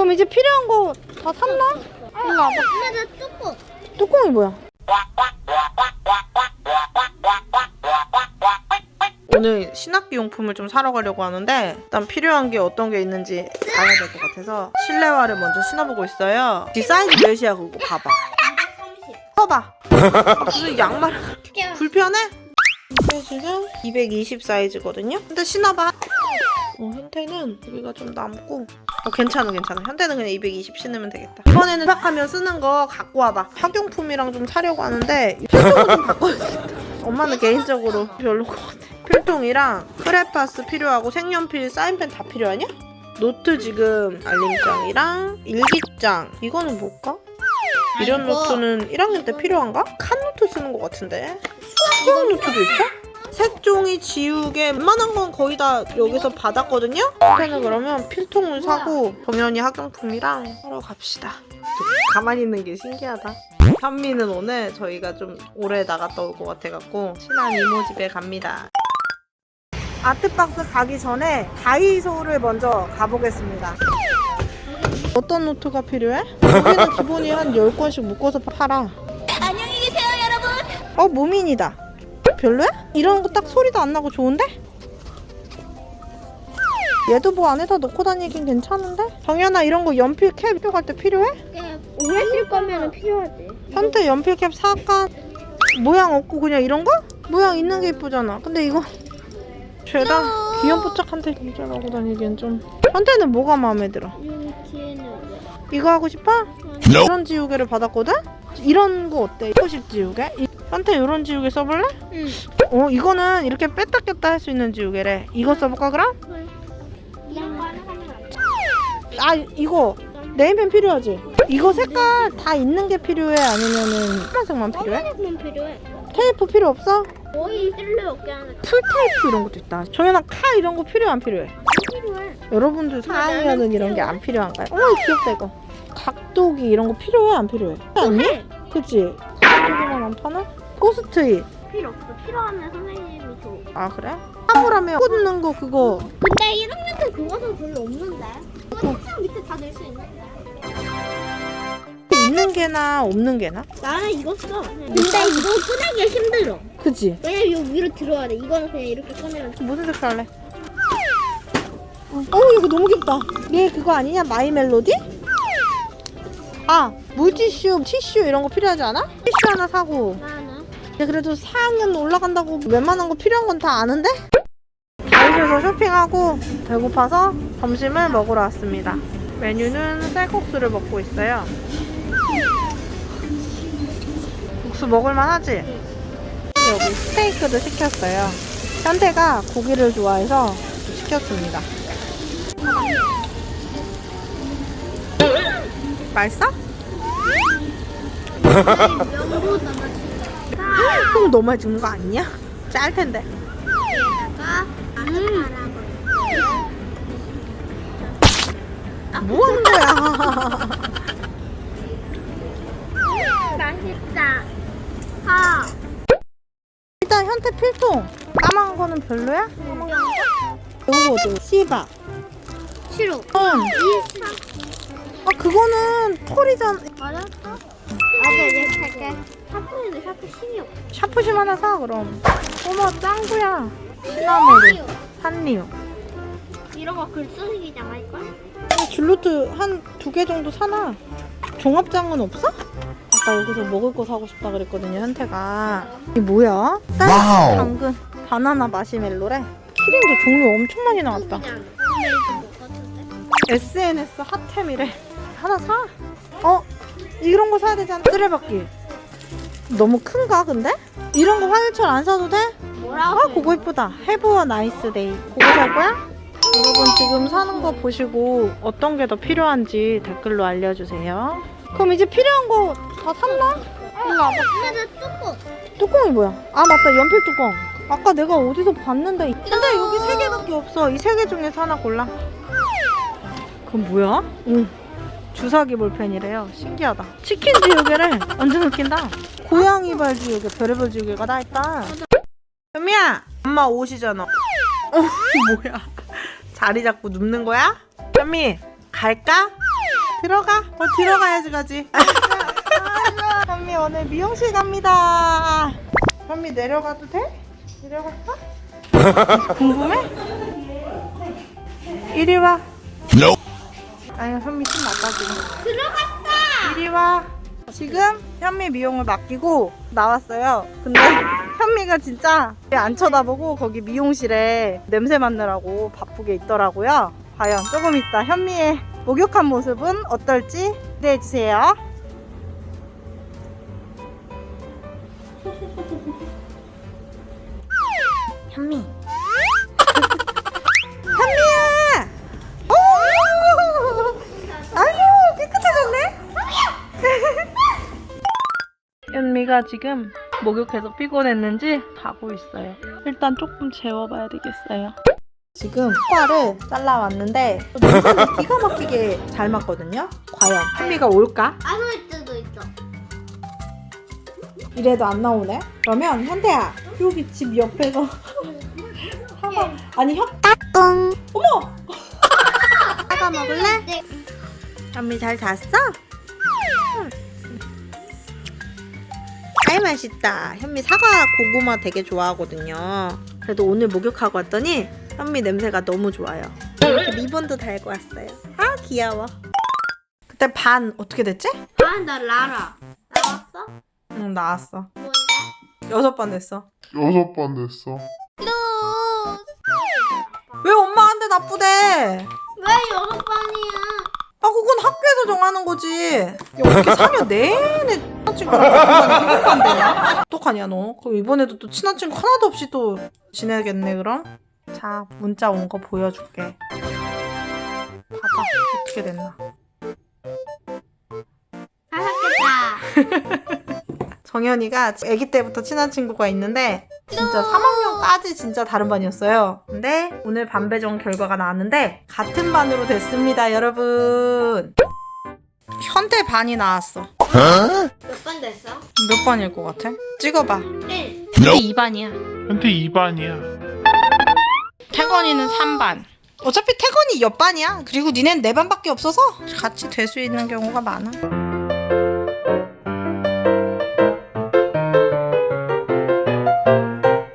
그럼 이제 필요한 거 다 샀나? 일로 와봐. 엄마 나 뚜껑. 뚜껑이 뭐야? 오늘 신학기 용품을 좀 사러 가려고 하는데 일단 필요한 게 어떤 게 있는지 알아야 될 것 같아서 실내화를 먼저 신어보고 있어요. 이 사이즈 몇이야 그거 봐봐. 230. 써봐. 무슨 양말을 불편해? 사이즈는 220 사이즈거든요. 근데 신어봐. 현태는 여기가 좀 남고 괜찮아. 현태는 그냥 220 신으면 되겠다. 이번에는 생각하면 쓰는 거 갖고 와봐. 학용품이랑 좀 사려고 하는데 필통을 좀 바꿔야겠다. 엄마는 개인적으로 별로인 것 같아. 필통이랑 크레파스 필요하고 색연필, 사인펜 다 필요하냐? 노트 지금 알림장이랑 일기장. 이거는 뭘까? 이런 노트는 1학년 때 필요한가? 칸 노트 쓰는 것 같은데. 수학 노트도 있어? 색종이, 지우개 웬만한 건 거의 다 여기서 받았거든요? 일단은 그러면 필통을 사고 정연이 학용품이랑 사러 갑시다. 가만히 있는 게 신기하다. 현미는 오늘 저희가 좀 오래 나갔다 올 것 같아갖고 친한 이모 집에 갑니다. 아트박스 가기 전에 다이소를 먼저 가보겠습니다. 어떤 노트가 필요해? 여기는 기본이 한 10권씩 묶어서 팔아. 안녕히 계세요, 여러분. 무민이다. 별로야? 이런 거 딱 소리도 안 나고 좋은데? 얘도 뭐 안에다 넣고 다니긴 괜찮은데? 정연아 이런 거 연필 캡 필요할 때 필요해? 오래 쓸 거면 필요하지. 현태 연필 캡 사까? 모양 없고 그냥 이런 거? 모양 있는 게 이쁘잖아. 근데 이거 죄다 귀염뽀짝한테 진짜라고 다니기엔 좀. 현태는 뭐가 마음에 들어? 뒤에는 이거 하고 싶어? 이런 지우개를 받았거든? 이런 거 어때? 포식 지우개? 현태 이런 지우개 써볼래? 응. 이거는 이렇게 뺐다 꼈다 할 수 있는 지우개래. 이거 써볼까 그럼? 이런 거 하나 사면 이거 네임펜 필요하지? 이거 색깔 다 있는 게 필요해? 아니면은 파란색만 필요해? 하나만 필요해. 테이프 필요 없어? 거의 쓸래 없게 하는. 풀 테이프 이런 것도 있다. 정연아 칼 이런 거 필요해 안 필요해? 필요해. 여러분들 4학년은 이런 게 안 필요한가요? 어머 귀엽다 이거. 각도기 이런 거 필요해 안 필요해? 아니? 그치? 각도기만 안 파나? 포스트잇. 필요 없어. 필요하면 선생님이 줘. 아 그래? 사물함에 꽂는 거 그거. 근데 1학년 때 그거는 별로 없는데. 책상 밑에 다 넣을 수 있는데. 있는 게나 없는 게나? 나는 이거 써. 근데 이거 꺼내기 힘들어. 그치? 왜냐면 이거 위로 들어야 돼. 이거는 그냥 이렇게 꺼내면 돼. 무슨 색깔 할래? 이거 너무 귀엽다. 얘 그거 아니냐? 마이 멜로디? 물티슈, 티슈 이런 거 필요하지 않아? 티슈 하나 사고. 나는 근데 그래도 4학년 올라간다고 웬만한 거 필요한 건 다 아는데? 다이소에서 쇼핑하고 배고파서 점심을 먹으러 왔습니다. 메뉴는 쌀국수를 먹고 있어요. 국수 먹을만 하지? 여기 스테이크도 시켰어요. 현태가 고기를 좋아해서 시켰습니다. 맛있어? 면도 담았어. 콩 너무 많이 주는 거 아니냐? 짤 텐데. 뭐 하는 거야? 맛있다. 일단 현태 필통. 까만 거는 별로야? 요거도 씨바. 싫어. 그거는 털이잖아. 맞았어? 맞아, 내가 살게. 샤프인데 샤프 심이 없어. 샤프심 하나 사 그럼. 어머 짱구야. 시나모르, 산리오. 이런 거 글 쓰기장 할걸? 줄루트 한 2개 정도 사놔. 종합장은 없어? 아까 여기서 먹을 거 사고 싶다 그랬거든요 현태가. 이게 뭐야? 딸, 당근, 바나나 마시멜로래. 키링도 종류 엄청 많이 나왔다. SNS 핫템이래. 하나 사. 이런 거 사야 되잖아. 쓰레받기. 너무 큰가 근데? 이런 거 화요철 안 사도 돼? 뭐라고? 그거 이쁘다. Have a nice day. 그거 살 거야? 여러분 지금 사는 거 보시고 어떤 게 더 필요한지 댓글로 알려주세요. 그럼 이제 필요한 거 다 샀나? 일로 와봐. 엄마 나 뚜껑. 뚜껑이 뭐야? 맞다 연필 뚜껑. 아까 내가 어디서 봤는데. 근데 여기 3개밖에 없어. 이 3개 중에서 하나 골라. 그건 뭐야? 주사기 볼펜이래요. 신기하다. 치킨 지우개를 완전 웃긴다. 고양이 발 지우개, 별의별 지우개가 다 있다. 현미야, 엄마 오시잖아. 뭐야? 자리 잡고 눕는 거야? 현미, 갈까? 들어가. 들어가야지 가지. 현미 오늘 미용실 갑니다. 현미 내려가도 돼? 내려갈까? 궁금해? 이리 와. 아니 현미 좀 나빠지고. 들어갔다. 이리 와. 지금 현미 미용을 맡기고 나왔어요. 근데 현미가 진짜 안 쳐다보고 거기 미용실에 냄새 맡느라고 바쁘게 있더라고요. 과연 조금 이따 현미의 목욕한 모습은 어떨지 기대해주세요. 현미. 현미야! 오! 아유, 깨끗해졌네? 현미가 지금 목욕해서 피곤했는지 자고 있어요. 일단 조금 재워봐야 되겠어요. 지금 코알을 잘라왔는데 냄새는 기가 막히게 잘 맡거든요. 과연 현미가 올까? 안 올 수도 있어. 이래도 안 나오네? 그러면 현태야 여기 집 옆에서 사과 아니 똥. 어머! 사과 먹을래? 현미 잘 잤어? 아이 맛있다. 현미 사과 고구마 되게 좋아하거든요. 그래도 오늘 목욕하고 왔더니 현미 냄새가 너무 좋아요. 이렇게 리본도 달고 왔어요. 아 귀여워. 그때 반 어떻게 됐지? 아, 나 라라. 나왔어? 응 나왔어. 뭔데? 6번 됐어. 6번 됐어. 왜 엄마한테 나쁘대? 왜 6번이야? 아 그건 학교에서 정하는 거지. 야 어떻게 4년 내내 친한 친구랑 행복한데냐? 어떡하냐 너? 그럼 이번에도 또 친한 친구 하나도 없이 또 지내겠네 그럼? 자 문자 온 거 보여줄게. 봐봐 어떻게 됐나. 잘했겠다. 정현이가 아기 때부터 친한 친구가 있는데 진짜 3학년까지 진짜 다른 반이었어요. 근데 오늘 반 배정 결과가 나왔는데 같은 반으로 됐습니다 여러분. 현대 반이 나왔어. 몇 번 됐어? 몇 반일 것 같아? 찍어봐. 1. 현대 2반이야. 현태 2반이야. 태건이는 3반. 어차피 태건이 옆반이야. 그리고 니넨 4반밖에 없어서 같이 될 수 있는 경우가 많아.